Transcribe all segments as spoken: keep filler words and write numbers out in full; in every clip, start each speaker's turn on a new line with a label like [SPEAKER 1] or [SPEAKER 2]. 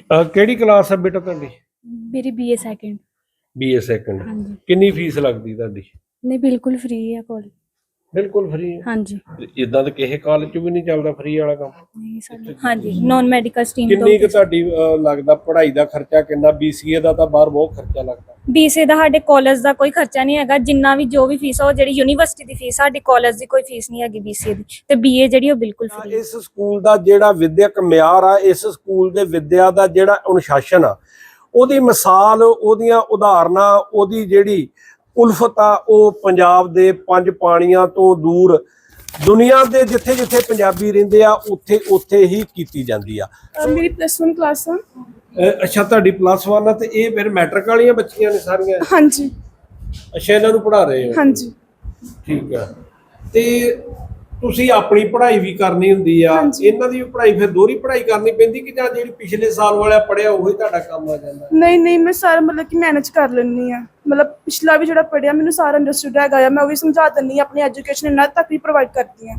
[SPEAKER 1] ਅਹ ਕਿਹੜੀ ਕਲਾਸ ਹੈ ਬੇਟਾ ਤੁਹਾਡੀ?
[SPEAKER 2] मेरी बीए सेकंड।
[SPEAKER 1] BA second.
[SPEAKER 2] हाँ जी।
[SPEAKER 1] ਕਿੰਨੀ ਫੀਸ ਲੱਗਦੀ ਤੁਹਾਡੀ?
[SPEAKER 2] नहीं बिल्कुल फ्री है कॉलेज।
[SPEAKER 1] ਬਿਲਕੁਲ ਫ੍ਰੀ ਹੈ।
[SPEAKER 2] हाँ जी।
[SPEAKER 1] ਇਦਾਂ ਤਾਂ ਕਿਸੇ ਕਾਲਜ 'ਚ ਵੀ ਨਹੀਂ ਚੱਲਦਾ ਫ੍ਰੀ ਵਾਲਾ ਕੰਮ।
[SPEAKER 2] नहीं साडे हाँ जी नॉन मेडिकल स्ट्रीम
[SPEAKER 1] ਕਿੰਨੀ ਕੁ ਤੁਹਾਡੀ ਅਹ, ਲੱਗਦਾ ਪੜ੍ਹਾਈ ਦਾ ਖਰਚਾ ਕਿੰਨਾ? ਬੀਸੀਏ ਦਾ ਤਾਂ ਬਾਹਰ ਬਹੁਤ ਖਰਚਾ ਲੱਗਦਾ।
[SPEAKER 2] बीसीए ਦਾ ਸਾਡੇ ਕਾਲਜ ਦਾ ਕੋਈ ਖਰਚਾ ਨਹੀਂ ਹੈਗਾ, ਜਿੰਨਾ ਵੀ ਜੋ ਵੀ ਫੀਸ ਆ ਉਹ ਜਿਹੜੀ ਯੂਨੀਵਰਸਿਟੀ ਦੀ ਫੀਸ, ਸਾਡੀ ਕਾਲਜ ਦੀ ਕੋਈ ਫੀਸ ਨਹੀਂ ਹੈਗੀ ਬੀਸੀਏ ਦੀ, ਤੇ ਬੀਏ ਜਿਹੜੀ ਉਹ ਬਿਲਕੁਲ ਫ੍ਰੀ ਹੈ।
[SPEAKER 1] ਇਸ ਸਕੂਲ ਦਾ ਜਿਹੜਾ ਵਿਦਿਅਕ ਮਿਆਰ ਆ, ਇਸ ਸਕੂਲ ਦੇ ਵਿਦਿਆ ਦਾ ਜਿਹੜਾ ਅਨੁਸ਼ਾਸਨ ਆ, ਉਹਦੀ ਮਿਸਾਲ, ਉਹਦੀਆਂ ਉਦਾਹਰਨਾਂ, ਉਹਦੀ ਜਿਹੜੀ ਉਲਫਤ ਆ, ਉਹ ਪੰਜਾਬ ਦੇ ਪੰਜ ਪਾਣੀਆਂ ਤੋਂ ਦੂਰ ਦੁਨੀਆ ਦੇ ਜਿੱਥੇ ਜਿੱਥੇ ਪੰਜਾਬੀ ਰਹਿੰਦੇ ਆ ਉੱਥੇ ਉੱਥੇ ਹੀ ਕੀਤੀ ਜਾਂਦੀ ਆ।
[SPEAKER 3] ਮੇਰੀ ਪਲੱਸ वन ਕਲਾਸ ਆ।
[SPEAKER 1] ਅੱਛਾ, ਤੁਹਾਡੀ ਪਲੱਸ वन ਆ ਤੇ ਇਹ ਫਿਰ ਮੈਟ੍ਰਿਕ ਵਾਲੀਆਂ ਬੱਚੀਆਂ ਨੇ ਸਾਰੀਆਂ?
[SPEAKER 3] ਹਾਂਜੀ
[SPEAKER 1] ਅੱਛਾ, ਇਹਨਾਂ ਨੂੰ ਪੜ੍ਹਾ ਰਹੇ ਹੋ?
[SPEAKER 3] ਹਾਂਜੀ
[SPEAKER 1] ਠੀਕ ਆ। ਤੇ ਤੁਸੀਂ ਆਪਣੀ ਪੜ੍ਹਾਈ ਵੀ ਕਰਨੀ ਹੁੰਦੀ ਆ,
[SPEAKER 3] ਹਾਂਜੀ।
[SPEAKER 1] ਇਹਨਾਂ ਦੀ ਵੀ ਪੜ੍ਹਾਈ ਫਿਰ ਦੋਹਰੀ ਪੜ੍ਹਾਈ ਕਰਨੀ ਪੈਂਦੀ ਕਿ ਜਾਂ ਜਿਹੜੀ ਪਿਛਲੇ ਸਾਲ ਵਾਲਾ ਪੜ੍ਹਿਆ ਉਹੀ ਤੁਹਾਡਾ ਕੰਮ ਆ ਜਾਂਦਾ?
[SPEAKER 3] ਨਹੀਂ ਨਹੀਂ ਮੈਂ ਸਾਰਾ ਮਤਲਬ ਕਿ ਮੈਨੇਜ ਕਰ ਲੈਂਦੀ ਆ, ਮਤਲਬ ਪਿਛਲਾ ਵੀ ਜਿਹੜਾ ਪੜ੍ਹਿਆ ਮੈਨੂੰ ਸਾਰਾ ਅੰਡਰਸਟੂਡ ਹੈਗਾ ਆ, ਮੈਂ ਉਹ ਵੀ ਸਮਝਾ ਦਿੰਦੀ ਆ, ਆਪਣੀ ਐਜੂਕੇਸ਼ਨ ਇਹਨਾਂ ਤੱਕ ਵੀ ਪ੍ਰੋਵਾਈਡ ਕਰਦੀ ਆ।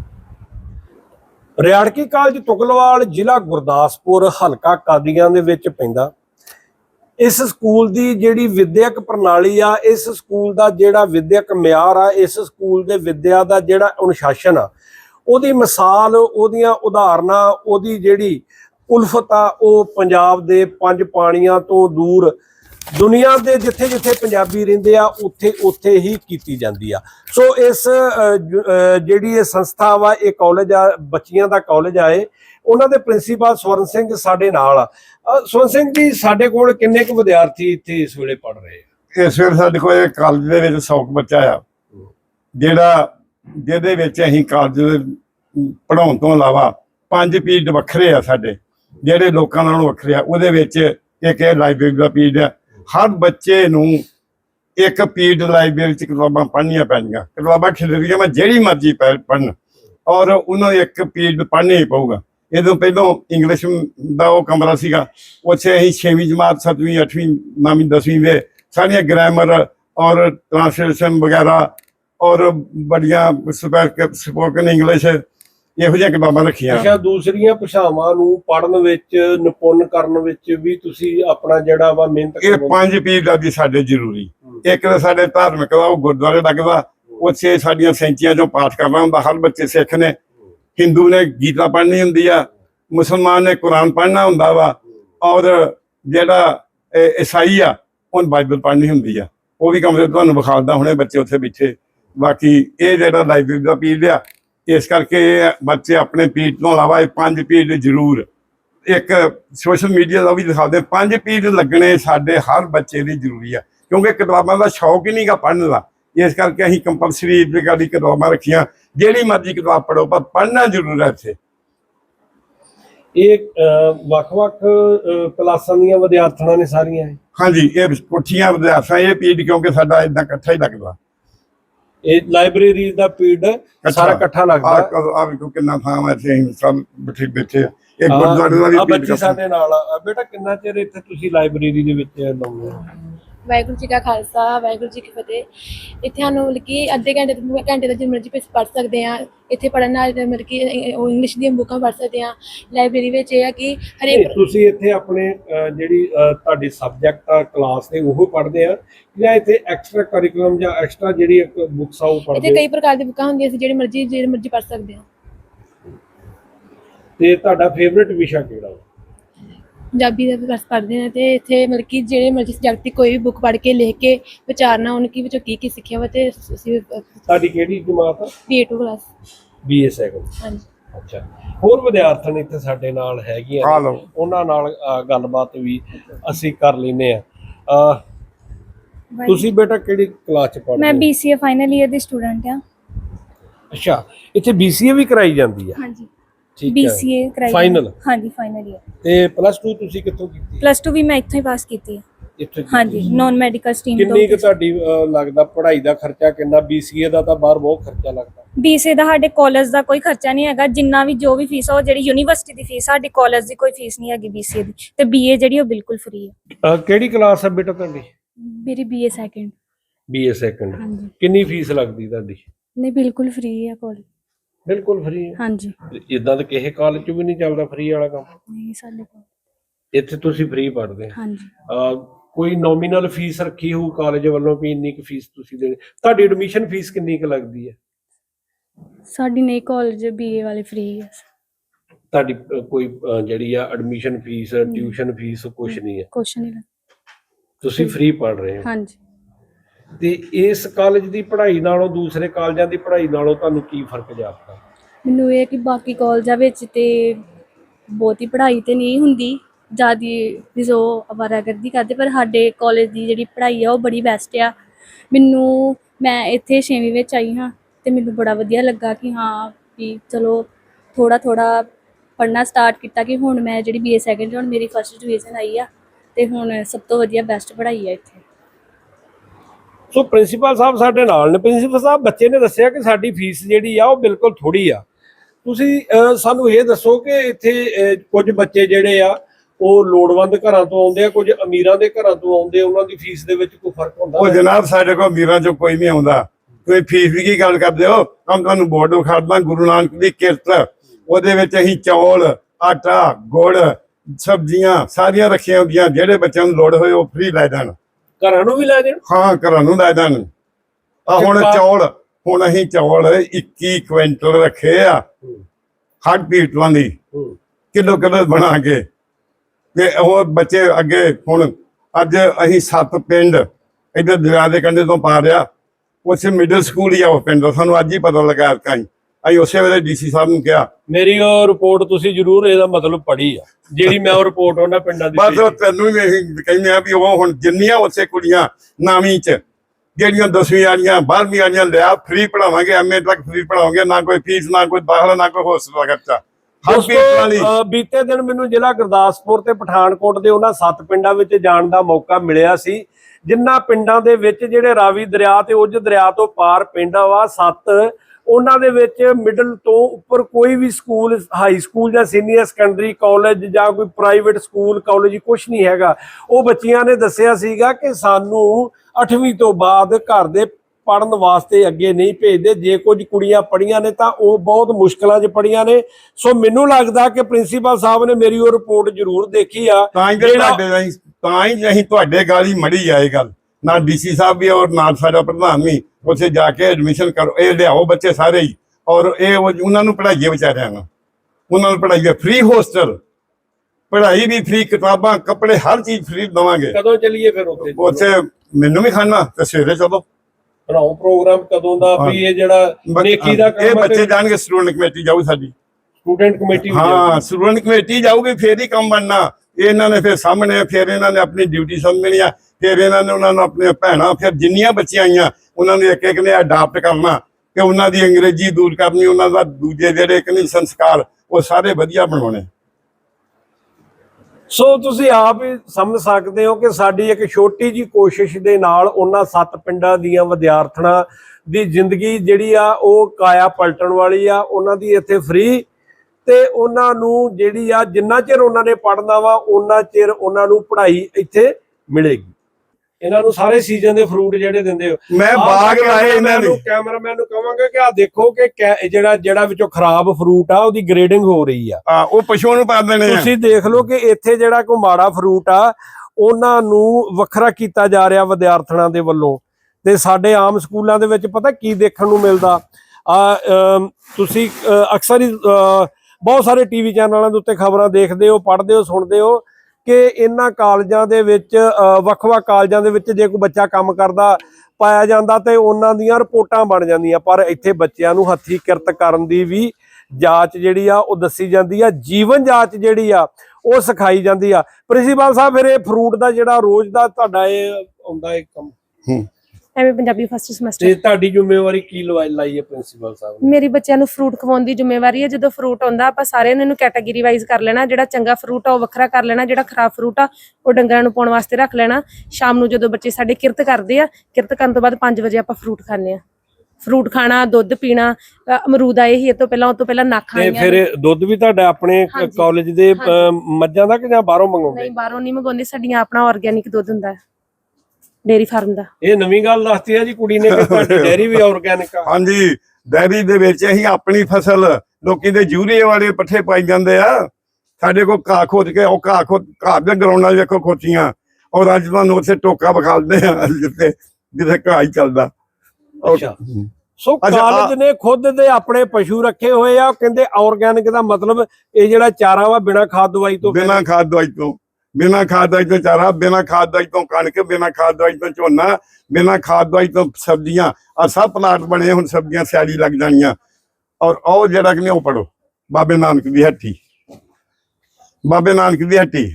[SPEAKER 1] ਰਿਆੜਕੀ ਕਾਲਜ ਤੁਗਲਵਾਲ, ਜ਼ਿਲ੍ਹਾ ਗੁਰਦਾਸਪੁਰ, ਹਲਕਾ ਕਾਦੀਆਂ ਦੇ ਵਿੱਚ ਪੈਂਦਾ। ਇਸ ਸਕੂਲ ਦੀ ਜਿਹੜੀ ਵਿਦਿਅਕ ਪ੍ਰਣਾਲੀ ਆ, ਇਸ ਸਕੂਲ ਦਾ ਜਿਹੜਾ ਵਿਦਿਅਕ ਮਿਆਰ ਆ, ਇਸ ਸਕੂਲ ਦੇ ਵਿਦਿਆ ਦਾ ਜਿਹੜਾ ਅਨੁਸ਼ਾਸਨ ਆ, ਉਹਦੀ ਮਿਸਾਲ, ਉਹਦੀਆਂ ਉਦਾਹਰਨਾਂ, ਉਹਦੀ ਜਿਹੜੀ ਉਲਫਤ ਆ, ਉਹ ਪੰਜਾਬ ਦੇ ਪੰਜ ਪਾਣੀਆਂ ਤੋਂ ਦੂਰ ਦੁਨੀਆ ਦੇ ਜਿੱਥੇ ਜਿੱਥੇ ਪੰਜਾਬੀ ਰਹਿੰਦੇ ਆ ਉੱਥੇ ਉੱਥੇ ਹੀ ਕੀਤੀ ਜਾਂਦੀ ਆ। ਸੋ ਇਸ ਜਿਹੜੀ ਇਹ ਸੰਸਥਾ ਵਾ, ਇਹ ਕਾਲਜ ਆ, ਬੱਚੀਆਂ ਦਾ ਕਾਲਜ ਆ, ਇਹ ਉਹਨਾਂ ਦੇ ਪ੍ਰਿੰਸੀਪਲ ਸਵਰਨ ਸਿੰਘ ਸਾਡੇ ਨਾਲ ਆ। ਸਵਰਨ ਸਿੰਘ ਜੀ, ਸਾਡੇ ਕੋਲ ਕਿੰਨੇ ਕੁ ਵਿਦਿਆਰਥੀ ਇੱਥੇ ਇਸ ਵੇਲੇ ਪੜ੍ਹ ਰਹੇ ਆ?
[SPEAKER 4] ਇਸ ਵੇਲੇ ਸਾਡੇ ਕੋਲ ਕਾਲਜ ਦੇ ਵਿੱਚ ਸੌ ਕੁ ਬੱਚਾ ਆ, ਜਿਹੜਾ ਜਿਹਦੇ ਵਿੱਚ ਅਸੀਂ ਕਾਲਜ ਪੜ੍ਹਾਉਣ ਤੋਂ ਇਲਾਵਾ ਪੰਜ ਪੀਰੀਅਡ ਵੱਖਰੇ ਆ ਸਾਡੇ, ਜਿਹੜੇ ਲੋਕਾਂ ਨਾਲੋਂ ਵੱਖਰੇ ਆ। ਉਹਦੇ ਵਿੱਚ ਇੱਕ ਇਹ ਲਾਇਬ੍ਰੇਰੀ ਦਾ ਪੀਰੀਅਡ ਆ। ਹਰ ਬੱਚੇ ਨੂੰ ਇੱਕ ਪੀਰੀਅਡ ਲਾਇਬ੍ਰੇਰੀ 'ਚ ਕਿਤਾਬਾਂ ਪੜ੍ਹਨੀਆਂ ਪੈਣੀਆਂ, ਕਿਤਾਬਾਂ ਖਿਲਰੀਆਂ ਮੈਂ ਜਿਹੜੀ ਮਰਜ਼ੀ ਪੜ੍ਹਨ, ਔਰ ਉਹਨਾਂ ਨੂੰ ਇੱਕ ਪੀਰੀਅਡ ਪੜ੍ਹਨਾ ਹੀ ਪਊਗਾ। ਇਹਦੋਂ ਪਹਿਲਾਂ ਇੰਗਲਿਸ਼ ਦਾ ਉਹ ਕਮਰਾ ਸੀਗਾ, ਉੱਥੇ ਅਸੀਂ ਛੇਵੀਂ ਜਮਾਤ, ਸੱਤਵੀਂ, ਅੱਠਵੀਂ, ਨੌਵੀਂ, ਦਸਵੀਂ ਦੇ ਸਾਰੀਆਂ ਗ੍ਰਾਮਰ ਔਰ ਟ੍ਰਾਂਸਲੇਸ਼ਨ ਵਗੈਰਾ ਔਰ ਬੜੀਆਂ ਸਪੋਕਨ ਇੰਗਲਿਸ਼ ਇਹੋ ਜਿਹੀਆਂ ਕਿਤਾਬਾਂ ਰੱਖੀਆਂ।
[SPEAKER 1] ਅੱਛਾ, ਦੂਸਰੀਆਂ ਭਾਸ਼ਾਵਾਂ ਨੂੰ ਪੜ੍ਹਨ ਵਿੱਚ, ਨਿਪੁੰਨ ਕਰਨ ਵਿੱਚ ਵੀ ਤੁਸੀਂ ਆਪਣਾ ਜਿਹੜਾ ਵਾ ਮਿਹਨਤ
[SPEAKER 4] ਇਹ ਪੰਜ ਪੀਰੀਅਡ ਦੀ ਸਾਡੇ ਜ਼ਰੂਰੀ। ਇੱਕ ਤਾਂ ਸਾਡੇ ਧਾਰਮਿਕ ਦਾ ਉਹ ਗੁਰਦੁਆਰੇ ਲੱਗਦਾ, ਉੱਥੇ ਸਾਡੀਆਂ ਸੈਂਚੀਆਂ ਚੋਂ ਪਾਠ ਕਰਨਾ ਹੁੰਦਾ। ਹਰ ਬੱਚੇ ਸਿੱਖ ਨੇ, ਹਿੰਦੂ ਨੇ ਗੀਤਾ ਪੜ੍ਹਨੀ ਹੁੰਦੀ ਆ, ਮੁਸਲਮਾਨ ਨੇ ਕੁਰਾਨ ਪੜ੍ਹਨਾ ਹੁੰਦਾ ਵਾ, ਔਰ ਜਿਹੜਾ ਈਸਾਈ ਆ ਉਹਨ ਬਾਈਬਲ ਪੜ੍ਹਨੀ ਹੁੰਦੀ ਆ। ਉਹ ਵੀ ਕਮਰੇ ਤੁਹਾਨੂੰ ਵਿਖਾਉਂਦਾ ਹੁਣੇ ਬੱਚੇ ਉੱਥੇ ਬੈਠੇ। ਬਾਕੀ ਇਹ ਜਿਹੜਾ ਲਾਇਬ੍ਰੇਰੀ ਦਾ ਪੀਰੀਅਡ ਆ, ਇਸ ਕਰਕੇ ਬੱਚੇ ਆਪਣੇ ਪੀਰੀਅਡ ਤੋਂ ਇਲਾਵਾ ਇਹ ਪੰਜ ਪੀਰੀਅਡ ਜ਼ਰੂਰ, ਇੱਕ ਸੋਸ਼ਲ ਮੀਡੀਆ ਦਾ ਵੀ ਦਿਖਾਉਂਦੇ, ਪੰਜ ਪੀਰੀਅਡ ਲੱਗਣੇ ਸਾਡੇ ਹਰ ਬੱਚੇ ਲਈ ਜ਼ਰੂਰੀ ਆ, ਕਿਉਂਕਿ ਕਿਤਾਬਾਂ ਦਾ ਸ਼ੌਕ ਹੀ ਨਹੀਂਗਾ ਪੜ੍ਹਨ ਦਾ। ਇਸ ਕਰਕੇ ਅਸੀਂ ਕੰਪਲਸਰੀ ਦੀ ਕਿਤਾਬਾਂ ਰੱਖੀਆਂ, ਜਿਹੜੀ ਮਰਜ਼ੀ ਕਿਤਾਬ ਪੜ੍ਹੋ ਪਰ ਪੜ੍ਹਨਾ ਜ਼ਰੂਰ ਹੈ ਇੱਥੇ।
[SPEAKER 1] ਇਹ ਵੱਖ-ਵੱਖ ਕਲਾਸਾਂ ਦੀਆਂ ਵਿਦਿਆਰਥਣਾਂ ਨੇ ਸਾਰੀਆਂ?
[SPEAKER 4] ਹਾਂਜੀ, ਇਹ ਕੋਠੀਆਂ ਵਿਦਿਆਰਥੀਆਂ ਇਹ ਪੀਰੀਅਡ, ਕਿਉਂਕਿ ਸਾਡਾ ਏਦਾਂ ਇਕੱਠਾ ਹੀ ਲੱਗਦਾ।
[SPEAKER 1] ਇਹ ਲਾਇਬ੍ਰੇਰੀ ਦਾ ਪੀਰੀਅਡ ਸਾਰਾ ਇਕੱਠਾ ਲੱਗਦਾ।
[SPEAKER 4] ਆ ਵੇਖੋ ਕਿੰਨਾ ਥਾਂ ਹੈ, ਅਸੀਂ ਸਭ ਬੈਠੇ ਬੈਠੇ ਆ। ਇਹ ਗੁਰਦੁਆਰੇ ਦਾ ਵੀ
[SPEAKER 1] ਬੱਚੇ ਸਾਡੇ ਨਾਲ ਆ। ਬੇਟਾ, ਕਿੰਨਾ ਚਿਰ ਇੱਥੇ ਤੁਸੀਂ ਲਾਇਬ੍ਰੇਰੀ ਦੇ ਵਿੱਚ ਲਾਉਂਦੇ ਹੋ?
[SPEAKER 5] ਵਾਹਿਗੁਰੂ ਜੀ ਕਾ ਖਾਲਸਾ, ਵਾਹਿਗੁਰੂ ਜੀ ਕੀ ਫਤਿਹ। ਇੱਥੇ ਸਾਨੂੰ ਮਤਲਬ ਕਿ ਅੱਧੇ ਘੰਟੇ ਤੋਂ ਘੰਟੇ ਦਾ ਜਿੰਨਾ ਮਰਜ਼ੀ ਪੜ੍ਹ ਸਕਦੇ ਹਾਂ। ਇੱਥੇ ਪੜ੍ਹਨ ਨਾਲ ਮਤਲਬ ਕਿ ਉਹ ਇੰਗਲਿਸ਼ ਦੀਆਂ ਬੁੱਕਾਂ ਪੜ੍ਹ ਸਕਦੇ ਹਾਂ। ਲਾਇਬ੍ਰੇਰੀ ਵਿੱਚ ਇਹ ਆ ਕਿ ਹਰੇਕ
[SPEAKER 1] ਤੁਸੀਂ ਇੱਥੇ ਆਪਣੇ ਜਿਹੜੀ ਤੁਹਾਡੀ ਸਬਜੈਕਟ ਆ ਕਲਾਸ ਦੇ ਉਹ ਪੜ੍ਹਦੇ ਆ, ਜਾਂ ਇੱਥੇ ਐਕਸਟਰਾ ਕਰਿਕੂਲਮ ਜਾਂ ਐਕਸਟਰਾ ਜਿਹੜੀ ਇੱਕ ਬੁੱਕਸ ਆ ਉਹ ਪੜ੍ਹਦੇ?
[SPEAKER 5] ਇੱਥੇ ਕਈ ਪ੍ਰਕਾਰ ਦੀ ਬੁੱਕਾਂ ਹੁੰਦੀਆਂ ਸੀ, ਜਿਹੜੀ ਮਰਜ਼ੀ ਜਿਹੜੇ ਮਰਜ਼ੀ ਪੜ੍ਹ ਸਕਦੇ ਹਾਂ।
[SPEAKER 1] ਤੇ ਤੁਹਾਡਾ ਫੇਵਰੇਟ ਵਿਸ਼ਾ ਕਿਹੜਾ?
[SPEAKER 5] ਪੰਜਾਬੀ ਦਾ ਬਸ ਪੜ੍ਹਦੇ ਹਾਂ। ਤੇ ਇੱਥੇ ਮਤਲਬ ਕਿ ਜਿਹੜੇ ਮਰਜ਼ੀ ਸਬਜੈਕਟ ਦੀ ਕੋਈ ਵੀ ਬੁੱਕ ਪੜ੍ਹ ਕੇ ਲਿਖ ਕੇ ਵਿਚਾਰਨਾ ਉਹਨਾਂ ਕੀ ਵਿੱਚੋਂ ਕੀ ਕੀ ਸਿੱਖਿਆ ਵਾ। ਤੇ ਅਸੀਂ
[SPEAKER 1] ਤੁਹਾਡੀ ਕਿਹੜੀ ਜਮਾਤ ਆ?
[SPEAKER 5] BA two class.
[SPEAKER 1] BA second.
[SPEAKER 5] ਹਾਂਜੀ।
[SPEAKER 1] ਅੱਛਾ, ਹੋਰ ਵਿਦਿਆਰਥਣ ਇੱਥੇ ਸਾਡੇ ਨਾਲ ਹੈਗੀਆਂ, ਉਹਨਾਂ ਨਾਲ ਗੱਲਬਾਤ ਵੀ ਅਸੀਂ ਕਰ ਲੈਂਦੇ ਆ। ਤੁਸੀਂ ਬੇਟਾ ਕਿਹੜੀ ਕਲਾਸ ਚ ਪੜ੍ਹਦੇ?
[SPEAKER 2] ਮੈਂ ਬੀਸੀਏ ਫਾਈਨਲ ਈਅਰ ਦੀ ਸਟੂਡੈਂਟ ਆ।
[SPEAKER 1] ਅੱਛਾ, ਇੱਥੇ ਬੀਸੀਏ ਵੀ ਕਰਾਈ ਜਾਂਦੀ ਆ?
[SPEAKER 2] ਹਾਂਜੀ,
[SPEAKER 1] ਠੀਕ ਹੈ।
[SPEAKER 2] ਬੀਸੀਏ ਕਰਾਈ
[SPEAKER 1] ਫਾਈਨਲ?
[SPEAKER 2] ਹਾਂਜੀ, ਫਾਈਨਲ ਈਅਰ।
[SPEAKER 1] ਤੇ ਪਲੱਸ ਟੂ ਤੁਸੀਂ ਕਿੱਥੋਂ ਕੀਤੀ?
[SPEAKER 2] ਪਲੱਸ ਟੂ ਵੀ ਮੈਂ ਇੱਥੋਂ ਹੀ ਪਾਸ ਕੀਤੀ ਹੈ।
[SPEAKER 1] ਇੱਥੇ?
[SPEAKER 2] ਹਾਂਜੀ, ਨॉन ਮੈਡੀਕਲ ਸਟਰੀਮ ਤੋਂ।
[SPEAKER 1] ਕਿੰਨੀ ਕੁ ਤੁਹਾਡੀ ਲੱਗਦਾ ਪੜ੍ਹਾਈ ਦਾ ਖਰਚਾ ਕਿੰਨਾ? ਬੀਸੀਏ ਦਾ ਤਾਂ ਬਾਹਰ ਬਹੁਤ ਖਰਚਾ ਲੱਗਦਾ।
[SPEAKER 2] ਬੀਸੀਏ ਦਾ ਸਾਡੇ ਕਾਲਜ ਦਾ ਕੋਈ ਖਰਚਾ ਨਹੀਂ ਹੈਗਾ, ਜਿੰਨਾ ਵੀ ਜੋ ਵੀ ਫੀਸ ਆ ਉਹ ਜਿਹੜੀ ਯੂਨੀਵਰਸਿਟੀ ਦੀ ਫੀਸ, ਸਾਡੀ ਕਾਲਜ ਦੀ ਕੋਈ ਫੀਸ ਨਹੀਂ ਹੈਗੀ ਬੀਸੀਏ ਦੀ, ਤੇ ਬੀਏ ਜਿਹੜੀ ਉਹ ਬਿਲਕੁਲ ਫ੍ਰੀ ਹੈ।
[SPEAKER 1] ਕਿਹੜੀ ਕਲਾਸ ਹੈ ਬੇਟਾ ਤੁਹਾਡੀ?
[SPEAKER 2] ਮੇਰੀ बीए सेकंड।
[SPEAKER 1] BA second.
[SPEAKER 2] हाँ जी।
[SPEAKER 1] कितनी फीस लगती ਤੁਹਾਡੀ?
[SPEAKER 2] नहीं बिल्कुल फ्री है कॉलेज।
[SPEAKER 1] बिल्कुल फ्री है?
[SPEAKER 2] हाँ जी।
[SPEAKER 1] इदां ਤਾਂ ਕਿਸੇ ਕਾਲਜ ਚ ਵੀ ਨਹੀਂ ਚੱਲਦਾ ਫ੍ਰੀ ਵਾਲਾ ਕੰਮ।
[SPEAKER 2] नहीं साडे कोल।
[SPEAKER 1] ਇੱਥੇ ਤੁਸੀਂ ਫ੍ਰੀ ਪੜ੍ਹਦੇ ਹੋ।
[SPEAKER 2] ਹਾਂਜੀ
[SPEAKER 1] ਅਹ ਕੋਈ ਨੋਮੀਨਲ ਫੀਸ ਰੱਖੀ ਹੋਊ ਕਾਲਜ ਵੱਲੋਂ ਵੀ ਇੰਨੀ ਕੁ ਫੀਸ ਤੁਸੀਂ ਦੇਣੀ? ਤੁਹਾਡੀ ਐਡਮਿਸ਼ਨ ਫੀਸ ਕਿੰਨੀ ਕੁ ਲੱਗਦੀ ਹੈ?
[SPEAKER 2] ਸਾਡੀ ਨਹੀਂ ਕਾਲਜ ਬੀਏ ਵਾਲੇ ਫ੍ਰੀ ਹੈ।
[SPEAKER 1] ਤੁਹਾਡੀ ਅਹ ਕੋਈ ਅਹ ਜਿਹੜੀ ਆ ਐਡਮਿਸ਼ਨ ਫੀਸ, ਟਿਊਸ਼ਨ ਫੀਸ ਕੁਛ ਨਹੀਂ ਹੈ,
[SPEAKER 2] ਕੁਛ ਨਹੀਂ ਲੱਗ
[SPEAKER 1] ਤੁਸੀਂ ਫ੍ਰੀ ਪੜ੍ਹ ਰਹੇ ਹੋ।
[SPEAKER 2] ਹਾਂਜੀ।
[SPEAKER 1] ਤੇ ਇਸ ਕਾਲਜ ਦੀ ਪੜ੍ਹਾਈ ਨਾਲੋਂ ਦੂਸਰੇ ਕਾਲਜਾਂ ਦੀ ਪੜ੍ਹਾਈ ਨਾਲੋਂ ਤੁਹਾਨੂੰ ਕੀ ਫਰਕ ਜਾਪਦਾ?
[SPEAKER 2] ਮੈਨੂੰ ਇਹ ਕਿ ਬਾਕੀ ਕਾਲਜਾਂ ਵਿੱਚ ਤੇ ਬਹੁਤੀ ਪੜ੍ਹਾਈ ਤੇ ਨਹੀਂ ਹੁੰਦੀ ਜ਼ਿਆਦੀ ਜੋ ਅਵਾਰਾਗਰਦੀ ਕਰਦੇ, ਪਰ ਸਾਡੇ ਕਾਲਜ ਦੀ ਜਿਹੜੀ ਪੜ੍ਹਾਈ ਆ ਉਹ ਬੜੀ ਬੈਸਟ ਆ। ਮੈਨੂੰ ਮੈਂ ਇੱਥੇ ਛੇਵੀਂ ਵਿੱਚ ਆਈ ਹਾਂ ਤੇ ਮੈਨੂੰ ਬੜਾ ਵਧੀਆ ਲੱਗਾ ਕਿ ਹਾਂ ਵੀ ਚਲੋ ਥੋੜ੍ਹਾ ਥੋੜ੍ਹਾ ਪੜ੍ਹਨਾ ਸਟਾਰਟ ਕੀਤਾ ਕਿ ਹੁਣ ਮੈਂ ਜਿਹੜੀ ਬੀ ਏ ਸੈਕਿੰਡ ਹੁਣ ਮੇਰੀ ਫਸਟ ਡਿਵੀਜ਼ਨ ਆਈ ਆ ਤੇ ਹੁਣ ਸਭ ਤੋਂ ਵਧੀਆ ਬੈਸਟ ਪੜ੍ਹਾਈ ਆ ਇੱਥੇ।
[SPEAKER 1] ਸੋ ਪ੍ਰਿੰਸੀਪਲ ਸਾਹਿਬ ਸਾਡੇ ਨਾਲ ਨੇ। ਪ੍ਰਿੰਸੀਪਲ ਸਾਹਿਬ, ਬੱਚੇ ਨੇ ਦੱਸਿਆ ਕਿ ਸਾਡੀ ਫੀਸ ਜਿਹੜੀ ਆ ਉਹ ਬਿਲਕੁਲ ਥੋੜੀ ਆ। ਤੁਸੀਂ ਅਹ, ਸਾਨੂੰ ਇਹ ਦੱਸੋ ਕਿ ਇੱਥੇ ਅਹ, ਕੁਝ ਬੱਚੇ ਜਿਹੜੇ ਆ ਉਹ ਲੋੜਵੰਦ ਘਰਾਂ ਤੋਂ ਆਉਂਦੇ ਆ, ਕੁਝ ਅਮੀਰਾਂ ਦੇ ਘਰਾਂ ਤੋਂ ਆਉਂਦੇ, ਉਹਨਾਂ ਦੀ ਫੀਸ ਦੇ ਵਿੱਚ ਕੋਈ ਫਰਕ ਹੁੰਦਾ?
[SPEAKER 4] ਉਹ ਜਨਾਬ ਸਾਡੇ ਕੋਲ ਅਮੀਰਾਂ ਚੋਂ ਕੋਈ ਨਹੀਂ ਆਉਂਦਾ। ਕੋਈ ਫੀਸ ਦੀ ਕੀ ਗੱਲ ਕਰਦੇ ਹੋ? हम ਤੁਹਾਨੂੰ ਬੋਰਡ ਵਿਖਾੜਦਾ ਗੁਰੂ ਨਾਨਕ ਦੀ ਕਿਰਤ, ਉਹਦੇ ਵਿੱਚ ਅਸੀਂ ਚੌਲ, ਆਟਾ, ਗੁੜ, ਸਬਜ਼ੀਆਂ ਸਾਰੀਆਂ ਰੱਖੀਆਂ ਹੁੰਦੀਆਂ। ਜਿਹੜੇ ਬੱਚਿਆਂ ਨੂੰ ਲੋੜ ਹੋਏ ਉਹ ਫ੍ਰੀ ਲੈ ਜਾਣ।
[SPEAKER 1] ਘਰਾਂ ਨੂੰ ਵੀ ਲੈ ਦੇਣ?
[SPEAKER 4] ਹਾਂ, ਘਰਾਂ ਨੂੰ ਲੈ ਜਾਣ। ਆ ਹੁਣ ਚੌਲ, ਹੁਣ ਅਸੀਂ ਚੌਲ ਇੱਕੀ ਕੁਇੰਟਲ ਰੱਖੇ ਆ ਹੱਡ ਪੀਟਲਾਂ ਦੀ, ਕਿਲੋ ਕਿਲੋ ਬਣਾ ਕੇ। ਤੇ ਉਹ ਬੱਚੇ ਅੱਗੇ ਹੁਣ ਅੱਜ ਅਸੀਂ ਸੱਤ ਪਿੰਡ ਇੱਧਰ ਦਰਿਆ ਦੇ ਕੰਢੇ ਤੋਂ ਪਾ ਰਿਹਾ, ਉਸੇ ਮਿਡਲ ਸਕੂਲ ਹੀ ਆ ਉਹ ਪਿੰਡ, ਸਾਨੂੰ ਅੱਜ ਹੀ ਪਤਾ ਲੱਗਾ। ਅਸੀਂ ਅਸੀਂ ਉਸੇ ਵੇਲੇ ਡੀਸੀ ਸਾਹਿਬ ਨੂੰ ਕਿਹਾ
[SPEAKER 1] ਮੇਰੀ ਉਹ ਰਿਪੋਰਟ ਤੁਸੀਂ ਜ਼ਰੂਰ ਇਹਦਾ ਮਤਲਬ ਪੜ੍ਹੀ ਆ, ਜਿਹੜੀ ਮੈਂ ਉਹ ਰਿਪੋਰਟ ਉਹਨਾਂ ਪਿੰਡਾਂ ਦੀ
[SPEAKER 4] ਬਸ ਉਹ ਤੈਨੂੰ ਵੀ ਅਸੀਂ ਕਹਿੰਦੇ ਆ ਵੀ ਉਹ ਹੁਣ ਜਿੰਨੀਆਂ ਉਸੇ ਕੁੜੀਆਂ ਨਾਵੀਂ ਚ ਜਿਹੜੀਆਂ ਦਸਵੀਂ ਵਾਲੀਆਂ ਬਾਰ੍ਹਵੀਂ ਵਾਲੀਆਂ ਲਿਆ ਫ੍ਰੀ ਪੜਾਵਾਂਗੇ, ਐਮਏ ਤੱਕ ਫ੍ਰੀ ਪੜਾਵਾਂਗੇ, ਨਾ ਕੋਈ ਫੀਸ, ਨਾ ਕੋਈ ਦਾਖਲਾ, ਨਾ ਕੋਈ ਹੋਸਟਲ ਦਾ ਖਰਚਾ।
[SPEAKER 1] ਦੋਸਤੋ, ਬੀਤੇ ਦਿਨ ਮੈਨੂੰ ਜ਼ਿਲ੍ਹਾ ਗੁਰਦਾਸਪੁਰ ਤੇ ਪਠਾਨਕੋਟ ਦੇ ਉਹਨਾਂ ਸੱਤ ਪਿੰਡਾਂ ਵਿੱਚ ਜਾਣ ਦਾ ਮੌਕਾ ਮਿਲਿਆ ਸੀ, ਜਿਨ੍ਹਾਂ ਪਿੰਡਾਂ ਦੇ ਵਿੱਚ ਜਿਹੜੇ ਰਾਵੀ ਦਰਿਆ ਤੇ ਉਜ ਦਰਿਆ ਤੋਂ ਪਾਰ ਪਿੰਡ ਵਾ ਸੱਤ, ਉਹਨਾਂ ਦੇ ਵਿੱਚ ਮਿਡਲ ਤੋਂ ਉੱਪਰ ਕੋਈ ਵੀ ਸਕੂਲ, ਹਾਈ ਸਕੂਲ ਜਾਂ ਸੀਨੀਅਰ ਸੈਕੰਡਰੀ ਕਾਲਜ ਜਾਂ ਕੋਈ ਪ੍ਰਾਈਵੇਟ ਸਕੂਲ ਕਾਲਜ ਕੁਛ ਨਹੀਂ ਹੈਗਾ। ਉਹ ਬੱਚੀਆਂ ਨੇ ਦੱਸਿਆ ਸੀਗਾ ਕਿ ਸਾਨੂੰ ਅੱਠਵੀਂ ਤੋਂ ਬਾਅਦ ਘਰ ਦੇ ਪੜ੍ਹਨ ਵਾਸਤੇ ਅੱਗੇ ਨਹੀਂ ਭੇਜਦੇ। ਜੇ ਕੁਝ ਕੁੜੀਆਂ ਪੜ੍ਹੀਆਂ ਨੇ ਤਾਂ ਉਹ ਬਹੁਤ ਮੁਸ਼ਕਲਾਂ 'ਚ ਪੜ੍ਹੀਆਂ ਨੇ। ਸੋ ਮੈਨੂੰ ਲੱਗਦਾ ਕਿ ਪ੍ਰਿੰਸੀਪਲ ਸਾਹਿਬ ਨੇ ਮੇਰੀ ਉਹ ਰਿਪੋਰਟ ਜ਼ਰੂਰ ਦੇਖੀ ਆ।
[SPEAKER 4] ਤਾਂ ਹੀ ਤੁਹਾਡੇ ਰਾਹੀਂ ਤਾਂ ਹੀ ਅਸੀਂ ਤੁਹਾਡੇ ਗਾਲੀ ਮੜੀ ਆਏ ਗੱਲ, ਨਾ ਡੀਸੀ ਸਾਹਿਬ ਵੀ ਔਰ ਨਾ ਸਾਡਾ ਪ੍ਰਧਾਨ ਵੀ ਉੱਥੇ ਜਾ ਕੇ ਐਡਮਿਸ਼ਨ ਕਰੋ, ਇਹ ਲਿਆਓ ਬੱਚੇ ਸਾਰੇ ਹੀ, ਔਰ ਇਹ ਉਹਨਾਂ ਨੂੰ ਪੜ੍ਹਾਈਏ ਵਿਚਾਰਿਆਂ ਨੂੰ, ਉਹਨਾਂ ਨੂੰ ਪੜ੍ਹਾਈਏ ਫ੍ਰੀ, ਹੋਸਟਲ ਪੜ੍ਹਾਈ ਵੀ ਫ੍ਰੀ, ਕਿਤਾਬਾਂ, ਕੱਪੜੇ, ਹਰ ਚੀਜ਼ ਫ੍ਰੀ ਦੇਵਾਂਗੇ।
[SPEAKER 1] ਕਦੋਂ ਚੱਲੀਏ ਫਿਰ ਉੱਥੇ?
[SPEAKER 4] ਉੱਥੇ ਮੈਨੂੰ ਵੀ ਖਾਣਾ ਤੇ ਸਵੇਰੇ ਚਲੋ
[SPEAKER 1] ਬਣਾਓ ਪ੍ਰੋਗਰਾਮ ਕਦੋਂ ਦਾ ਵੀ ਇਹ ਜਿਹੜਾ ਨੇਕੀ ਦਾ ਕੰਮ
[SPEAKER 4] ਇਹ ਬੱਚੇ ਜਾਣਗੇ, ਸਟੂਡੈਂਟ ਕਮੇਟੀ ਜਾਊ ਸਾਡੀ,
[SPEAKER 1] ਸਟੂਡੈਂਟ ਕਮੇਟੀ।
[SPEAKER 4] ਹਾਂ, ਸਟੂਡੈਂਟ ਕਮੇਟੀ ਜਾਊਗੀ, ਫੇਰ ਹੀ ਕੰਮ ਬਣਨਾ। ਇਹਨਾਂ ਨੇ ਫਿਰ ਸਾਹਮਣੇ, ਫਿਰ ਇਹਨਾਂ ਨੇ ਆਪਣੀ ਡਿਊਟੀ ਸਮਝਣੀ ਆ, ਫਿਰ ਇਹਨਾਂ ਨੇ ਉਹਨਾਂ ਨੂੰ ਆਪਣੀਆਂ ਭੈਣਾਂ, ਫਿਰ ਜਿੰਨੀਆਂ ਬੱਚੀਆਂ ਆਈਆਂ ਉਹਨਾਂ ਨੂੰ ਇੱਕ ਇੱਕ ਨੇ ਅਡਾਪਟ ਕਰਨਾ ਤੇ ਉਹਨਾਂ ਦੀ ਅੰਗਰੇਜ਼ੀ ਦੂਰ ਕਰਨੀ, ਉਹਨਾਂ ਦਾ ਦੂਜੇ ਜਿਹੜੇ ਇੱਕ ਨਹੀਂ ਸੰਸਕਾਰ ਉਹ ਸਾਰੇ ਵਧੀਆ ਬਣਾਉਣੇ।
[SPEAKER 1] ਸੋ ਤੁਸੀਂ ਆਪ ਹੀ ਸਮਝ ਸਕਦੇ ਹੋ ਕਿ ਸਾਡੀ ਇੱਕ ਛੋਟੀ ਜੀ ਕੋਸ਼ਿਸ਼ ਦੇ ਨਾਲ ਉਹਨਾਂ ਸੱਤ ਪਿੰਡਾਂ ਦੀਆਂ ਵਿਦਿਆਰਥਣਾਂ ਦੀ ਜ਼ਿੰਦਗੀ ਜਿਹੜੀ ਆ ਉਹ ਕਾਇਆ ਪਲਟਣ ਵਾਲੀ ਆ। ਉਹਨਾਂ ਦੀ ਇੱਥੇ ਫ੍ਰੀ ਤੇ ਉਹਨਾਂ ਨੂੰ ਜਿਹੜੀ ਆ ਜਿੰਨਾ ਚਿਰ ਉਹਨਾਂ ਨੇ ਪੜ੍ਹਨਾ ਵਾ ਉਹਨਾਂ ਚਿਰ ਉਹਨਾਂ ਨੂੰ ਪੜ੍ਹਾਈ ਇੱਥੇ ਮਿਲੇਗੀ। ਇਹਨਾਂ ਨੂੰ ਸਾਰੇ ਸੀਜ਼ਨ ਦੇ ਫਰੂਟ ਜਿਹੜੇ ਦਿੰਦੇ ਹੋ।
[SPEAKER 4] ਮੈਂ ਬਾਗ ਲਾਏ ਇਹਨਾਂ
[SPEAKER 1] ਨੂੰ, ਕੈਮਰਾਮੈਨ ਨੂੰ ਕਹਾਂਗਾ ਕਿ ਆ ਦੇਖੋ ਕਿ ਜਿਹੜਾ ਜਿਹੜਾ ਵਿੱਚੋਂ ਖਰਾਬ ਫਰੂਟ ਆ ਉਹਦੀ ਗ੍ਰੇਡਿੰਗ ਹੋ ਰਹੀ ਆ।
[SPEAKER 4] ਆ ਉਹ ਪਸ਼ੂਆਂ ਨੂੰ ਪਾ ਦੇਣੇ ਆ।
[SPEAKER 1] ਤੁਸੀਂ ਦੇਖ ਲਓ ਕਿ ਇੱਥੇ ਜਿਹੜਾ ਕੋਈ ਮਾੜਾ ਫਰੂਟ ਆ ਉਹਨਾਂ ਨੂੰ ਵੱਖਰਾ ਕੀਤਾ ਜਾ ਰਿਹਾ ਵਿਦਿਆਰਥਣਾਂ ਦੇ ਵੱਲੋਂ। ਤੇ ਸਾਡੇ ਆਮ ਸਕੂਲਾਂ ਦੇ ਵਿੱਚ ਪਤਾ ਕੀ ਦੇਖਣ ਨੂੰ ਮਿਲਦਾ ਆ, ਤੁਸੀਂ ਅਕਸਰ ਹੀ ਬਹੁਤ ਸਾਰੇ ਟੀਵੀ ਚੈਨਲਾਂ ਦੇ ਉੱਤੇ ਖਬਰਾਂ ਦੇਖਦੇ ਹੋ, ਪੜ੍ਹਦੇ ਹੋ, ਸੁਣਦੇ ਹੋ ਕਿ ਇਹਨਾਂ ਕਾਲਜਾਂ ਦੇ ਵਿੱਚ, ਵੱਖ-ਵੱਖ ਕਾਲਜਾਂ ਦੇ ਵਿੱਚ ਜੇ ਕੋਈ ਬੱਚਾ ਕੰਮ ਕਰਦਾ ਪਾਇਆ ਜਾਂਦਾ ਤੇ ਉਹਨਾਂ ਦੀਆਂ ਰਿਪੋਰਟਾਂ ਬਣ ਜਾਂਦੀਆਂ। ਪਰ ਇੱਥੇ ਬੱਚਿਆਂ ਨੂੰ ਹੱਥੀਂ ਕਿਰਤ ਕਰਨ ਦੀ ਵੀ ਜਾਂਚ ਜਿਹੜੀ ਆ ਉਹ ਦੱਸੀ ਜਾਂਦੀ ਆ, ਜੀਵਨ ਜਾਂਚ ਜਿਹੜੀ ਆ ਉਹ ਸਿਖਾਈ ਜਾਂਦੀ ਆ। ਪ੍ਰਿੰਸੀਪਲ ਸਾਹਿਬ, ਫਿਰ ਇਹ ਫਰੂਟ ਦਾ ਜਿਹੜਾ ਰੋਜ਼ ਦਾ ਤੁਹਾਡਾ ਇਹ ਆਉਂਦਾ ਇਹ ਕੰਮ
[SPEAKER 6] ਐਵੇਂ ਪੰਜਾਬੀ ਫਸਟ ਸਮੈਸਟਰ
[SPEAKER 1] ਤੇ ਤੁਹਾਡੀ ਜ਼ਿੰਮੇਵਾਰੀ ਕੀ ਲਵਾਈ ਲਾਈ ਹੈ ਪ੍ਰਿੰਸੀਪਲ ਸਾਹਿਬ ਨੇ?
[SPEAKER 6] ਮੇਰੀ ਬੱਚਿਆਂ ਨੂੰ ਫਰੂਟ ਖਵਾਉਣ ਦੀ ਜ਼ਿੰਮੇਵਾਰੀ ਹੈ। ਜਦੋਂ ਫਰੂਟ ਆਉਂਦਾ ਆਪਾਂ ਸਾਰਿਆਂ ਨੂੰ ਇਹਨੂੰ ਕੈਟਾਗਰੀ ਵਾਈਜ਼ ਕਰ ਲੈਣਾ, ਜਿਹੜਾ ਚੰਗਾ ਫਰੂਟ ਆ ਉਹ ਵੱਖਰਾ ਕਰ ਲੈਣਾ, ਜਿਹੜਾ ਖਰਾਬ ਫਰੂਟ ਆ ਉਹ ਡੰਗਰਾਂ ਨੂੰ ਪਾਉਣ ਵਾਸਤੇ ਰੱਖ ਲੈਣਾ। ਸ਼ਾਮ ਨੂੰ ਜਦੋਂ ਬੱਚੇ ਸਾਡੇ ਕਿਰਤ ਕਰਦੇ ਆ, ਕਿਰਤ ਕਰਨ ਤੋਂ ਬਾਅਦ ਪੰਜ ਵਜੇ ਆਪਾਂ ਫਰੂਟ ਖਾਂਦੇ ਆ। ਫਰੂਟ ਖਾਣਾ, ਦੁੱਧ ਪੀਣਾ, ਅਮਰੂਦ ਆਏ ਸੀ ਇਹ ਤੋਂ ਪਹਿਲਾਂ, ਉਹ ਤੋਂ ਪਹਿਲਾਂ ਨਾ ਖਾਣੀਆਂ।
[SPEAKER 1] ਤੇ ਫਿਰ ਦੁੱਧ ਵੀ ਤੁਹਾਡਾ ਆਪਣੇ ਕਾਲਜ ਦੇ ਮੱਝਾਂ ਦਾ ਕਿ ਜਾਂ ਬਾਹਰੋਂ ਮੰਗਾਉਂਦੇ?
[SPEAKER 6] ਨਹੀਂ, ਬਾਹਰੋਂ ਨਹੀਂ ਮੰਗਾਉਂਦੇ, ਸਾਡੀਆਂ ਆਪਣਾ ਆਰਗੈਨਿਕ ਦੁੱਧ ਹੁੰਦਾ ਡੇਅਰੀ ਫਾਰਮ ਦਾ।
[SPEAKER 1] ਇਹ ਨਵੀਂ ਗੱਲ ਦੱਸਤੀ ਹੈ ਜੀ ਕੁੜੀ ਨੇ ਕਿ ਤੁਹਾਡੀ ਡੈਰੀ ਵੀ ਆਰਗੈਨਿਕ ਆ।
[SPEAKER 4] ਹਾਂਜੀ, ਡੈਰੀ ਦੇ ਵਿੱਚ ਅਸੀਂ ਆਪਣੀ ਫਸਲ, ਲੋਕੀ ਦੇ ਯੂਰੀਏ ਵਾਲੇ ਪੱਠੇ ਪਾਈ ਜਾਂਦੇ ਆ, ਸਾਡੇ ਕੋਲ ਘਾਹ ਖੋਦ ਕੇ ਉਹ ਘਾਹ ਖੋਦ ਘਾਹ ਦੇ ਗਰਾਊਂਡਾਂ 'ਚ ਵੇਖੋ ਖੋਤੀਆਂ, ਔਰ ਅੱਜ ਤੁਹਾਨੂੰ ਉੱਥੇ ਟੋਕਾ ਵਿਖਾਉਂਦੇ ਆ ਜਿੱਥੇ ਜਿੱਥੇ ਘਾਹ ਹੀ ਚੱਲਦਾ। ਔਰ-
[SPEAKER 1] ਅੱਛਾ। ਸੋ
[SPEAKER 4] ਅੱਛਾ,
[SPEAKER 1] ਕਾਲਜ
[SPEAKER 4] ਆ-
[SPEAKER 1] ਨੇ ਖੁਦ ਦੇ ਆਪਣੇ ਪਸ਼ੂ ਰੱਖੇ ਹੋਏ ਆ, ਕਹਿੰਦੇ ਆਰਗੈਨਿਕ ਦਾ ਮਤਲਬ ਇਹ ਜਿਹੜਾ ਚਾਰਾ ਵਾ ਬਿਨਾਂ ਖਾਦ ਦਵਾਈ ਤੋਂ
[SPEAKER 4] ਬਿਨਾਂ ਖਾਦ ਦਵਾਈ ਤੋਂ ਬਿਨਾਂ ਖਾਦ ਦਵਾਈ ਤੋਂ ਚਾਰਾ, ਬਿਨਾਂ ਖਾਦ ਦਵਾਈ ਤੋਂ ਕਣਕ, ਬਿਨਾਂ ਖਾਦ ਦਵਾਈ ਤੋਂ ਝੋਨਾ, ਬਿਨਾਂ ਖਾਦ ਦਵਾਈ ਤੋਂ ਸਬਜ਼ੀਆਂ। ਆ ਸਭ ਪਲਾਟ ਬਣੇ ਹੁਣ, ਸਬਜ਼ੀਆਂ ਸਿਆਲੀ ਲੱਗ ਜਾਣੀਆਂ। ਔਰ ਉਹ ਜਿਹੜਾ ਕਿ ਨਹੀਂ ਉਹ ਪੜੋ ਬਾਬੇ ਨਾਨਕ ਦੀ ਹੱਟੀ, ਬਾਬੇ ਨਾਨਕ ਦੀ ਹੱਟੀ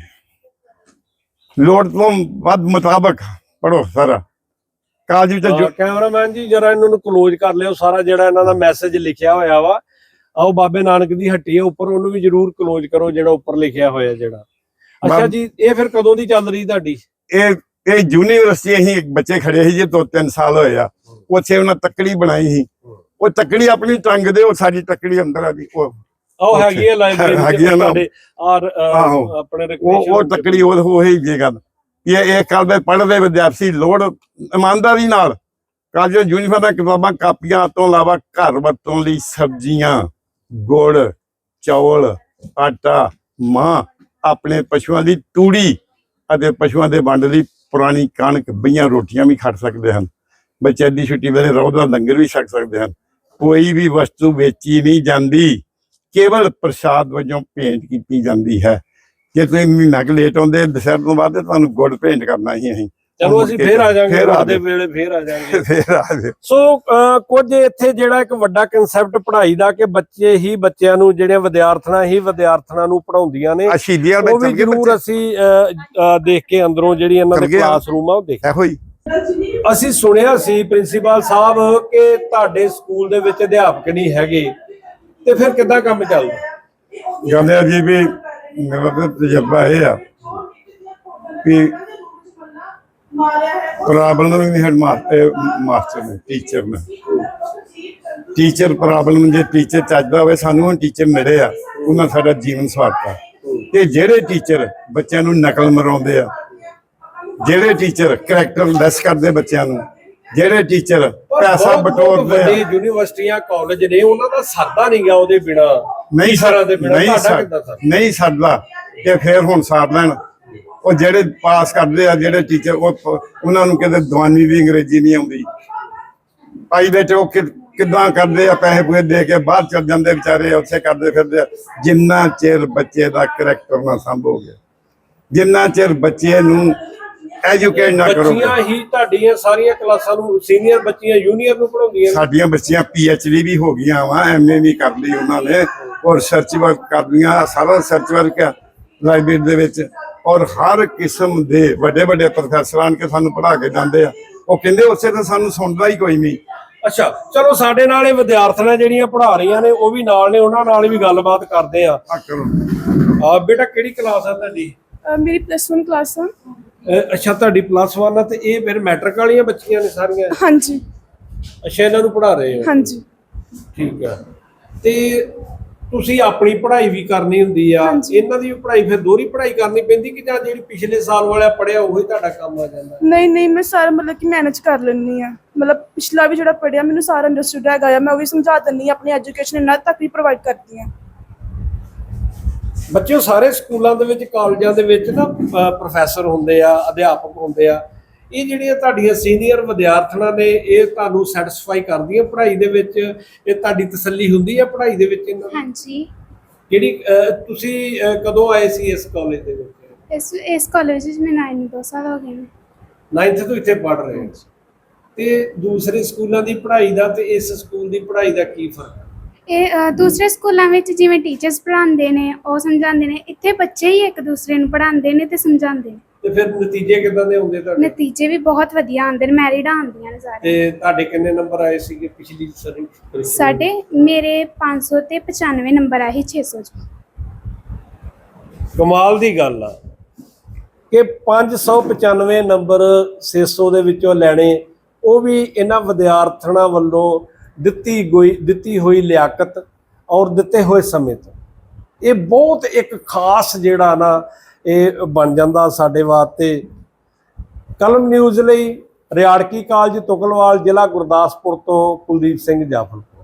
[SPEAKER 4] ਲੋੜ ਤੋਂ ਵੱਧ ਮੁਤਾਬਕ ਪੜੋ ਸਾਰਾ ਕਾਲਜ ਵਿੱਚ ਜੋ
[SPEAKER 1] ਕੈਮਰਾਮੈਨ ਜੀ ਜਰਾ ਇਹਨਾਂ ਨੂੰ ਕਲੋਜ਼ ਕਰ ਲਿਓ, ਸਾਰਾ ਜਿਹੜਾ ਇਹਨਾਂ ਦਾ ਮੈਸੇਜ ਲਿਖਿਆ ਹੋਇਆ ਵਾ। ਆਓ ਬਾਬੇ ਨਾਨਕ ਦੀ ਹੱਟੀ ਹੈ ਉੱਪਰ, ਉਹਨੂੰ ਵੀ ਜਰੂਰ ਕਲੋਜ਼ ਕਰੋ ਜਿਹੜਾ ਉੱਪਰ ਲਿਖਿਆ ਹੋਇਆ ਜਿਹੜਾ। ਅੱਛਾ
[SPEAKER 4] ਬਾਬ-
[SPEAKER 1] ਜੀ, ਇਹ ਫਿਰ ਕਦੋਂ ਦੀ ਚੱਲ ਰਹੀ ਤੁਹਾਡੀ?
[SPEAKER 4] ਇਹ ਇਹ ਯੂਨੀਵਰਸਿਟੀ ਅਸੀਂ ਬੱਚੇ ਖੜੇ ਸੀ ਜੀ, ਦੋ ਤਿੰਨ ਸਾਲ ਹੋਏ ਆ। ਉੱਥੇ ਉਹਨਾਂ ਤੱਕੜੀ ਬਣਾਈ ਸੀ, ਉਹ ਤੱਕੜੀ ਆਪਣੀ ਟੰਗ ਦੇ, ਉਹ ਸਾਡੀ ਤੱਕੜੀ ਅੰਦਰ ਆ ਜੀ। ਉਹ
[SPEAKER 1] ਉਹ ਹੈਗੀ ਹੈ ਲਾਇਬ੍ਰੇਰੀ
[SPEAKER 4] ਹੈਗੀ ਆ ਨਾ।
[SPEAKER 1] ਔਰ
[SPEAKER 4] ਆਹੋ।
[SPEAKER 1] ਆਪਣੇ
[SPEAKER 4] ਉਹ ਉਹ ਤੱਕੜੀ ਉਹ ਉਹ ਹੀ ਜੇ ਗੱਲ ਇਹ ਇਹ ਕੱਲ ਦੇ ਪੜ੍ਹਦੇ ਵਿਦਿਆਰਥੀ ਲੋੜ ਇਮਾਨਦਾਰੀ ਨਾਲ ਕਾਲਜ ਯੂਨੀਫਾਰਮ ਦੀਆਂ ਕਿਤਾਬਾਂ ਕਾਪੀਆਂ ਤੋਂ ਇਲਾਵਾ ਘਰ ਵਰਤੋਂ ਲਈ ਸਬਜ਼ੀਆਂ, ਗੁੜ, ਚੌਲ, ਆਟਾ, ਮਾਂ, ਆਪਣੇ ਪਸ਼ੂਆਂ ਦੀ ਤੂੜੀ ਅਤੇ ਪਸ਼ੂਆਂ ਦੇ ਵੰਡ ਲਈ ਪੁਰਾਣੀ ਕਣਕ, ਬਈਆਂ, ਰੋਟੀਆਂ ਵੀ ਖਾ ਸਕਦੇ ਹਨ। ਬੱਚੇ ਦੀ ਛੁੱਟੀ ਵੇਲੇ ਰੋਜ਼ ਦਾ ਲੰਗਰ ਵੀ ਛਕ ਸਕਦੇ ਹਨ। ਕੋਈ ਵੀ ਵਸਤੂ ਵੇਚੀ ਨਹੀਂ ਜਾਂਦੀ, ਕੇਵਲ ਪ੍ਰਸ਼ਾਦ ਵਜੋਂ ਭੇਂਟ ਕੀਤੀ ਜਾਂਦੀ ਹੈ। ਜੇ ਤੁਸੀਂ ਮਹੀਨਾ ਕੁ ਲੇਟ ਆਉਂਦੇ ਦੁਸਹਿਰ ਤੋਂ ਬਾਅਦ, ਤੁਹਾਨੂੰ ਗੁੜ ਭੇਂਟ ਕਰਨਾ ਹੀ ਅਸੀਂ।
[SPEAKER 1] ਚਲੋ ਅਸੀਂ ਫੇਰ ਆ ਜਾਾਂਗੇ,
[SPEAKER 4] ਫੇਰ ਆ
[SPEAKER 1] ਦੇ ਵੇਲੇ ਫੇਰ ਆ ਜਾਾਂਗੇ।
[SPEAKER 4] ਫੇਰ ਆ ਜਾਓ।
[SPEAKER 1] ਸੋ ਅਹ, ਕੁਝ ਇੱਥੇ ਜਿਹੜਾ ਇੱਕ ਵੱਡਾ ਕਨਸੈਪਟ ਪੜ੍ਹਾਈ ਦਾ ਕਿ ਬੱਚੇ ਹੀ ਬੱਚਿਆਂ ਨੂੰ, ਜਿਹੜੀਆਂ ਵਿਦਿਆਰਥਣਾਂ ਹੀ ਵਿਦਿਆਰਥਣਾਂ ਨੂੰ ਪੜ੍ਹਾਉਂਦੀਆਂ ਨੇ,
[SPEAKER 4] ਆ ਸ਼ਹੀਦੀਆਂ
[SPEAKER 1] ਉਹ ਵੀ ਜ਼ਰੂਰ ਅਸੀਂ ਅਹ, ਅਹ, ਦੇਖ ਕੇ ਅੰਦਰੋਂ ਜਿਹੜੀ ਇਹਨਾਂ ਦੇ
[SPEAKER 4] ਕਰ ਗਏ ਆ।
[SPEAKER 1] ਕਲਾਸਰੂਮ ਆ ਉਹ ਦੇਖ।
[SPEAKER 4] ਇਹੋ ਹੀ
[SPEAKER 1] ਅਸੀਂ ਸੁਣਿਆ ਸੀ ਪ੍ਰਿੰਸੀਪਲ ਸਾਹਿਬ ਕਿ ਤੁਹਾਡੇ ਸਕੂਲ ਦੇ ਵਿੱਚ ਅਧਿਆਪਕ ਨਹੀਂ ਹੈਗੇ, ਤੇ ਫਿਰ ਕਿੱਦਾਂ ਕੰਮ ਚੱਲਦਾ?
[SPEAKER 4] ਗੱਲ ਹੈ ਜੀ ਵੀ ਮੇਰਾ ਤਾਂ ਤਜਰਬਾ ਇਹ ਆ ਵੀ ਪ੍ਰੋਬਲਮ ਨਹੀਂ ਹੈਡ ਮਾਸਟਰ ਨੇ, ਟੀਚਰ ਨੇ। ਟੀਚਰ ਪ੍ਰੋਬਲਮ ਜੇ ਟੀਚਰ ਚੱਜਦਾ ਹੋਵੇ, ਸਾਨੂੰ ਹੁਣ ਟੀਚਰ ਮਿਲੇ ਆ, ਉਹਨਾਂ ਸਾਡਾ ਜੀਵਨ ਸਵਾਰਤਾ। ਤੇ ਜਿਹੜੇ ਟੀਚਰ ਬੱਚਿਆਂ ਨੂੰ ਨਕਲ ਮਰਾਉਂਦੇ ਆ, ਜਿਹੜੇ ਟੀਚਰ ਕਰੈਕਟਰ ਲੈਸ ਕਰਦੇ ਬੱਚਿਆਂ ਨੂੰ, ਜਿਹੜੇ ਟੀਚਰ ਪੈਸਾ ਬਟੋਰਦੇ ਆ,
[SPEAKER 1] ਯੂਨੀਵਰਸਿਟੀਆਂ ਕਾਲਜ ਨੇ, ਉਹਨਾਂ ਦਾ ਸਰਦਾ ਨਹੀਂ ਗਿਆ ਉਹਦੇ ਬਿਨਾ,
[SPEAKER 4] ਨਹੀਂ
[SPEAKER 1] ਸਰ ਦੇ ਬਿਨਾ।
[SPEAKER 4] ਨਹੀਂ
[SPEAKER 1] ਤੁਹਾਡਾ
[SPEAKER 4] ਸਰ
[SPEAKER 1] ਕਿੱਦਾਂ ਸਰ?
[SPEAKER 4] ਨਹੀਂ ਸਰਦਾ ਤੇ ਫਿਰ ਹੁਣ ਸਾਰ ਲੈਣ। ਉਹ ਜਿਹੜੇ ਪਾਸ ਕਰਦੇ ਆ, ਜਿਹੜੇ ਟੀਚਰ, ਉਹ ਉਹਨਾਂ ਨੂੰ ਕਿਤੇ ਦਵਾਨੀ ਦੀ ਅੰਗਰੇਜ਼ੀ ਨਹੀਂ ਆਉਂਦੀ। ਭਾਈ ਬੇਟੇ ਉਹ ਕਿ- ਕਿੱਦਾਂ ਕਰਦੇ ਆ, ਪੈਸੇ ਪੂਏ ਦੇ ਕੇ ਬਾਹਰ ਚੱਲ ਜਾਂਦੇ ਵਿਚਾਰੇ, ਉੱਥੇ ਕਰਦੇ ਫਿਰਦੇ ਆ। ਜਿੰਨਾ ਚਿਰ ਬੱਚੇ ਦਾ ਕਰੈਕਟਰ ਨਾ ਸੰਭੋਗੇ, ਜਿੰਨਾ ਚਿਰ ਬੱਚੇ ਨੂੰ ਐਜੂਕੇਟ ਨਾ ਕਰੋਗੇ।
[SPEAKER 1] ਬੱਚੀਆਂ ਹੀ ਤੁਹਾਡੀਆਂ ਸਾਰੀਆਂ ਕਲਾਸਾਂ ਨੂੰ, ਸੀਨੀਅਰ ਬੱਚੀਆਂ ਜੂਨੀਅਰ ਨੂੰ ਪੜ੍ਹਾਉਂਦੀਆਂ ਨੇ?
[SPEAKER 4] ਸਾਡੀਆਂ ਬੱਚੀਆਂ ਪੀ ਐਚ ਡੀ ਵੀ ਹੋ ਗਈਆਂ ਵਾ, ਐਮ ਏ ਵੀ ਕਰ ਲਈ ਉਹਨਾਂ ਨੇ, ਔਰ ਰਿਸਰਚ ਵਰਕ ਕਰਦੀਆਂ, ਸਾਰਾ ਰਿਸਰਚ ਵਰਕ ਆ ਲਾਇਬ੍ਰੇਰੀ ਦੇ ਵਿੱਚ। ਔਰ ਹਰ ਕਿਸਮ ਦੇ ਵੱਡੇ ਵੱਡੇ ਪ੍ਰੋਫੈਸਰ ਆਣ ਕੇ ਸਾਨੂੰ ਪੜ੍ਹਾ ਕੇ ਜਾਂਦੇ ਆ। ਉਹ ਕਹਿੰਦੇ ਉਸੇ ਤਾਂ ਸਾਨੂੰ ਸੁਣਦਾ ਹੀ ਕੋਈ ਨਹੀਂ।
[SPEAKER 1] ਅੱਛਾ, ਚਲੋ ਸਾਡੇ ਨਾਲ ਇਹ ਵਿਦਿਆਰਥਣਾਂ ਜਿਹੜੀਆਂ ਪੜ੍ਹਾ ਰਹੀਆਂ ਨੇ ਉਹ ਵੀ ਨਾਲ ਨੇ, ਉਹਨਾਂ ਨਾਲ ਵੀ ਗੱਲਬਾਤ ਕਰਦੇ ਆ।
[SPEAKER 4] ਆ ਕਰੋ।
[SPEAKER 1] ਆ ਬੇਟਾ, ਕਿਹੜੀ ਕਲਾਸ ਆ ਤੁਹਾਡੀ?
[SPEAKER 3] ਅਹ ਮੇਰੀ ਪਲੱਸ ਵਨ ਕਲਾਸ ਆ।
[SPEAKER 1] ਅਹ ਅੱਛਾ, ਤੁਹਾਡੀ ਪਲੱਸ ਵਨ ਆ, ਤੇ ਇਹ ਫਿਰ ਮੈਟ੍ਰਿਕ ਵਾਲੀਆਂ ਬੱਚੀਆਂ ਨੇ ਸਾਰੀਆਂ?
[SPEAKER 3] ਹਾਂਜੀ
[SPEAKER 1] ਅੱਛਾ, ਇਹਨਾਂ ਨੂੰ ਪੜ੍ਹਾ ਰਹੇ ਹੋ?
[SPEAKER 3] ਹਾਂਜੀ
[SPEAKER 1] ਠੀਕ ਆ। ਤੇ ਤੁਸੀਂ ਆਪਣੀ ਪੜ੍ਹਾਈ ਵੀ ਕਰਨੀ ਹੁੰਦੀ ਆ,
[SPEAKER 3] ਹਾਂਜੀ।
[SPEAKER 1] ਇਹਨਾਂ ਦੀ ਵੀ ਪੜ੍ਹਾਈ ਫਿਰ ਦੋਹਰੀ ਪੜ੍ਹਾਈ ਕਰਨੀ ਪੈਂਦੀ ਕਿ ਜਾਂ ਜਿਹੜੀ ਪਿਛਲੇ ਸਾਲ ਵਾਲਾ ਪੜ੍ਹਿਆ ਉਹੀ ਤੁਹਾਡਾ ਕੰਮ ਆ ਜਾਂਦਾ?
[SPEAKER 3] ਨਹੀਂ ਨਹੀਂ, ਮੈਂ ਸਾਰਾ ਮਤਲਬ ਕਿ ਮੈਨੇਜ ਕਰ ਲੈਂਦੀ ਆ। ਮਤਲਬ ਪਿਛਲਾ ਵੀ ਜਿਹੜਾ ਪੜ੍ਹਿਆ ਮੈਨੂੰ ਸਾਰਾ ਅੰਡਰਸਟੂਡ ਹੈਗਾ ਆ, ਮੈਂ ਉਹ ਵੀ ਸਮਝਾ ਦਿੰਦੀ ਹਾਂ। ਆਪਣੀ ਐਜੂਕੇਸ਼ਨ ਇਹਨਾਂ ਤੱਕ ਵੀ ਪ੍ਰੋਵਾਈਡ ਕਰਦੀ ਹਾਂ।
[SPEAKER 1] ਬੱਚਿਓ, ਸਾਰੇ ਸਕੂਲਾਂ ਦੇ ਵਿੱਚ, ਕਾਲਜਾਂ ਦੇ ਵਿੱਚ ਨਾ ਪ੍ਰੋਫੈਸਰ ਹੁੰਦੇ ਆ, ਅਧਿਆਪਕ ਹੁੰਦੇ ਆ। ਇਹ ਜਿਹੜੀਆਂ ਤੁਹਾਡੀਆਂ ਸੀਨੀਅਰ ਵਿਦਿਆਰਥਣਾਂ ਨੇ, ਇਹ ਤੁਹਾਨੂੰ ਸੈਟੀਸਫਾਈ ਕਰਦੀਆਂ ਪੜ੍ਹਾਈ ਦੇ ਵਿੱਚ? ਇਹ ਤੁਹਾਡੀ ਤਸੱਲੀ ਹੁੰਦੀ ਹੈ ਪੜ੍ਹਾਈ ਦੇ ਵਿੱਚ ਇਹਨਾਂ ਦੀ?
[SPEAKER 7] ਹਾਂਜੀ।
[SPEAKER 1] ਜਿਹੜੀ ਅਹ, ਤੁਸੀਂ ਅਹ, ਕਦੋਂ ਆਏ ਸੀ ਇਸ ਕਾਲਜ ਦੇ ਵਿੱਚ?
[SPEAKER 7] ਇਸ ਇਸ ਕਾਲਜ ਵਿੱਚ ਮੈਂ ਨਾइन ਦੋ ਸਾਲ ਹੋ ਗਏ ਨੇ।
[SPEAKER 1] ਨਾਈਨਥ ਤੋਂ ਇੱਥੇ ਪੜ੍ਹ ਰਹੇ ਹੋ, ਤੇ ਦੂਸਰੇ ਸਕੂਲਾਂ ਦੀ ਪੜ੍ਹਾਈ ਦਾ ਤੇ ਇਸ ਸਕੂਲ ਦੀ ਪੜ੍ਹਾਈ ਦਾ ਕੀ ਫਰਕ ਹੈ?
[SPEAKER 7] ਇਹ ਅ, ਦੂਸਰੇ ਸਕੂਲਾਂ ਵਿੱਚ ਜਿਵੇਂ ਟੀਚਰਸ ਪੜ੍ਹਾਉਂਦੇ ਨੇ, ਉਹ ਸਮਝਾਉਂਦੇ ਨੇ, ਇੱਥੇ ਬੱਚੇ ਹੀ ਇੱਕ ਦੂਸਰੇ ਨੂੰ ਪੜ੍ਹਾਉਂਦੇ ਨੇ ਤੇ ਸਮਝਾਉਂਦੇ ਨੇ।
[SPEAKER 1] ਤੇ ਫਿਰ ਨਤੀਜੇ ਕਿੱਦਾਂ ਦੇ ਆਉਂਦੇ ਤੁਹਾਡੇ?
[SPEAKER 7] ਨਤੀਜੇ ਵੀ ਬਹੁਤ ਵਧੀਆ ਆਉਂਦੇ ਨੇ, ਮੈਰਿਟ ਆਉਂਦੀਆਂ ਨੇ ਸਾਰੇ।
[SPEAKER 1] ਤੇ ਤੁਹਾਡੇ ਕਿੰਨੇ ਨੰਬਰ ਆਏ ਸੀਗੇ ਪਿਛਲੀ ਸਾਰੀ?
[SPEAKER 7] ਸਾਡੇ ਮੇਰੇ ਪੰਜ ਸੌ ਤੇ ਪਚਾਨਵੇਂ ਨੰਬਰ ਆਏ ਛੇ ਸੌ ਚ।
[SPEAKER 1] ਕਮਾਲ ਦੀ ਗੱਲ ਆ ਕਿ ਪੰਜ ਸੌ ਪਚਾਨਵੇਂ ਨੰਬਰ ਛੇ ਸੌ ਦੇ ਵਿੱਚੋਂ ਲੈਣੇ, ਉਹ ਵੀ ਇਹਨਾਂ ਵਿਦਿਆਰਥਣਾਂ ਵੱਲੋਂ ਦਿੱਤੀ ਗਈ ਦਿੱਤੀ ਹੋਈ ਲਿਆਕਤ ਔਰ ਦਿੱਤੇ ਹੋਏ ਸਮੇਂ ਤੋਂ। ਇਹ ਬਹੁਤ ਇੱਕ ਖਾਸ ਜਿਹੜਾ ਨਾ ਇਹ ਬਣ ਜਾਂਦਾ ਸਾਡੇ ਵਾਸਤੇ। ਕਲਮ ਨਿਊਜ਼ ਲਈ ਰਿਆੜਕੀ ਕਾਲਜ ਤੁਕਲਵਾਲ, ਜ਼ਿਲ੍ਹਾ ਗੁਰਦਾਸਪੁਰ ਤੋਂ ਕੁਲਦੀਪ ਸਿੰਘ ਜਾਫਰ।